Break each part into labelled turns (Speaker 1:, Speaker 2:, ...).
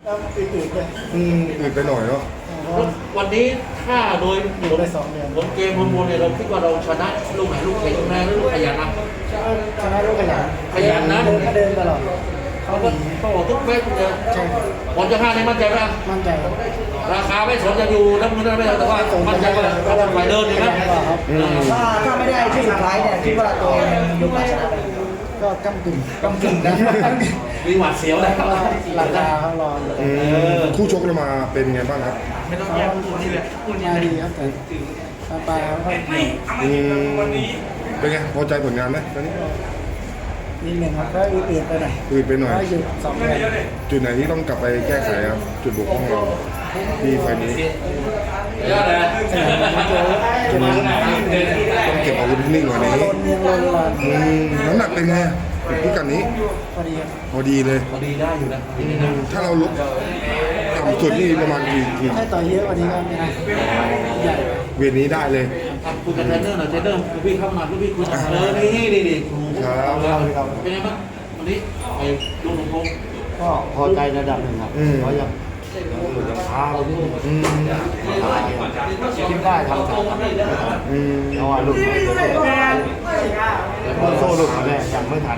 Speaker 1: อืดๆเลย
Speaker 2: อืดไปหน่อยเนาะ
Speaker 3: วันนี้ถ้าโดย
Speaker 1: อยู่ได้2 เดือน
Speaker 3: ผลเกมมวลเนี่ยเราคิดว่าเราชนะลูกไหนลูกแข็งแรงหรือลูกขยันนะ
Speaker 1: ชนะลูกขยัน
Speaker 3: ขยันนะ
Speaker 1: เดินตลอด
Speaker 3: เขาก็ต้องบอกทุกเม็ดเลย
Speaker 1: ใช่ครับ
Speaker 3: ผลจะห้าในมั่นใจไหม
Speaker 1: มั่นใจครับ
Speaker 3: ราคาไม่สนจะอยู่น้ำเงินไม่แต่ว่ามั่นใจว่าเราจะไปเดินอยู่นะ
Speaker 4: ถ้าไม่ได้ที่สุดท้ายเนี่ยคิดว่าตัวเองยกมาชนะเลย
Speaker 1: ก็กำกึ่งนะ
Speaker 3: มีหวาดเสียวนะ
Speaker 1: ราคาเขารอ
Speaker 2: คู่ชกเรามาเป็นไงบ้างครับ
Speaker 1: มาดีครับแต่ปลายเขาก็
Speaker 2: เป็นไงพอใจผลงานไหมตอนนี้
Speaker 1: นิดหนึ่งครับก็อืดๆไปหน่อย
Speaker 2: อืดไปหน่อย
Speaker 1: ก็หยุด2 เดือน
Speaker 2: จุดไหนที่ต้องกลับไปแก้ไขครับจุดบกพร่องเราที่ไฟล์นี้
Speaker 3: ยอดเลย
Speaker 1: เก็บอาวุธ
Speaker 2: ต้องเก็บอาวุธนิ่งๆหน่อยนี้
Speaker 1: ลนยังลนรอน
Speaker 2: น้ำหนักเป็นไงพิกัดนี้
Speaker 1: พอดีครับ
Speaker 2: พอดีเลย
Speaker 3: พอดีได้อยู่นะ
Speaker 2: ถ้าเราลุกต่ำสุดนี่ประมาณกี่
Speaker 1: ให้ต่อยเยอะกว่านี้ก็ไม่ได้ใหญ่
Speaker 2: เวทนี้ได้เลย
Speaker 3: คุยกับเทรนเนอร์หน่อยเทรนเนอร์พี่เข้ามาพี่คุยกันนี่ครูเป็นไงบ้างวันนี้ไอ้ลูกหลวงพ่อ
Speaker 4: ก็พอใจระดับหนึ่งครับเพราะยังช้าเราที่คิดได้ทำสามเพราะว่าลูกโซ่ลูกแรกยังไม่ทัน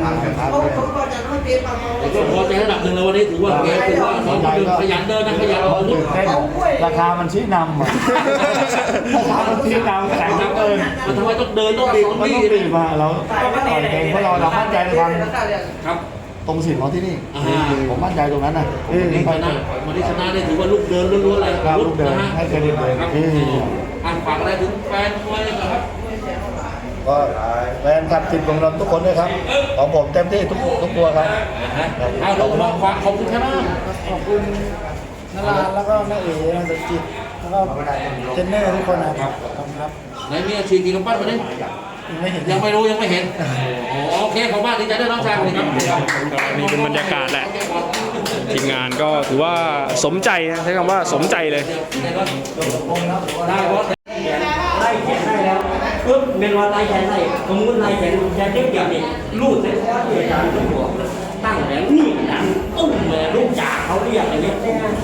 Speaker 3: ก็พอใจระดับหนึ่งเลยวันนี้ถือว่าเกมถือว่าน้องขยันเดินนะขยันเอาลูก
Speaker 4: ราคามันชี้นำราคามันชี้นำแข็งเกิน
Speaker 3: มันทำไมต้องเดินต้องบีบ
Speaker 4: มันต้องตีมาเราต่อยเองเพราะเรามั่นใจในความ
Speaker 3: ครับ
Speaker 4: ตรงสินของที่นี่ผมมั่นใจตรงนั้นนะ
Speaker 3: วันนี้ชนะวันนี้ชนะได้ถือว่าลูกเดินล้วนๆเลย
Speaker 4: ลูกเดินให้เครดิตเลย
Speaker 3: ครับอ่านฝากอะไรถึงแฟนมวยนะครับ
Speaker 4: ก็แฟนคลับติดของเราทุกคนด้วยครับของผมเต็มที่ทุกตัวครับ
Speaker 3: เอาลงมาฝากขอบคุณครับ
Speaker 1: ขอบคุณนาราแล้วก็แม่เอ๋นสจิตแล้วก็เทรนเนอร์ทุกคนนะครับขอบคุณครับ
Speaker 3: ไหนมีอาชีพกี่กำปั้นมาดิ
Speaker 1: ไม่เห็น
Speaker 3: ยังไม่รู้ยังไม่เห็นโอเคขอบคุณดีใจด้วยน้องชายครับ
Speaker 5: นี่เป็นบรรยากาศแหละทีมงานก็ถือว่าสมใจนะใช้คำว่าสมใจเลย
Speaker 3: ได้บอส
Speaker 6: ไล่แขนได้แล้วปุ๊บเป็นว่าไล่แขนได้สมมติไล่แขนแขนเทียบกับนี่ลูดใส่คอที่อาจารย์ต้องบอกตั้งแหลมนี่ดังตุ้มเลยลูกจ่าเขาเรียกอะไรเงี้ย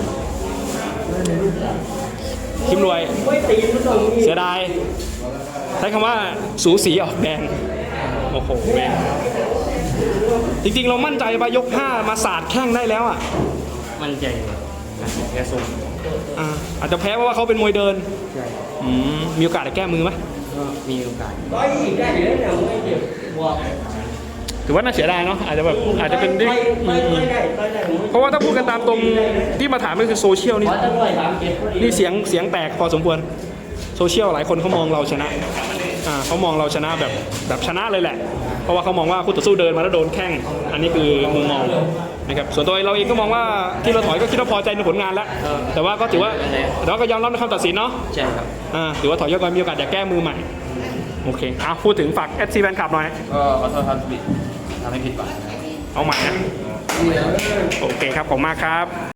Speaker 5: คิมรวย
Speaker 6: ไม่ตีนมันตรงนี้
Speaker 5: เสียดายใช้คำว่าสูสีออกแดงโอ้โหแม่งจริงๆเรามั่นใจไปยก 5 มาสาดแข้งได้แล้วอ่ะ
Speaker 6: มันใจแค่ส่ง
Speaker 5: อาจจะแพ้เพราะว่าเขาเป็นมวยเดินมีโอกาสจะแก้มือไหม
Speaker 6: ก็มีโอกาสได้ได้อยู่แล้วเนี่ยไม่เจ็บบอก
Speaker 5: ถือว่าน่าเสียดายเนาะอาจจะแบบอาจจะเป็นได้
Speaker 6: ได้
Speaker 5: เพราะว่าถ้าพูดกันตามตรงที่มาถามก็คือโซเชียลนี่
Speaker 6: ขอจะด้วย37
Speaker 5: นี่เสียงแตกพอสมควรโซเชียลหลายคนเขามองเราชนะเขามองเราชนะแบบชนะเลยแหละเพราะว่าเขามองว่าคู่ต่อสู้เดินมาแล้วโดนแข้งอันนี้คือมุมมองนะครับส่วนตัวเราเองก็มองว่าที่เราถอยก็คิดว่าพอใจในผลงานแล้วแต่ว่าก็ถือว่าเราก็ยอมรับในคำตัดสินเนาะ
Speaker 6: ใช่ครับ
Speaker 5: ถือว่าถอยยกก่อนมีโอกาสอยากแก้มือใหม่โอเคพูดถึงฝาก FC แฟนคลับหน่อย
Speaker 6: ก็ขอโทษครับทำให้ผิดหวัง
Speaker 5: เอาใหม่นะโอเคครับขอบคุณมากครับ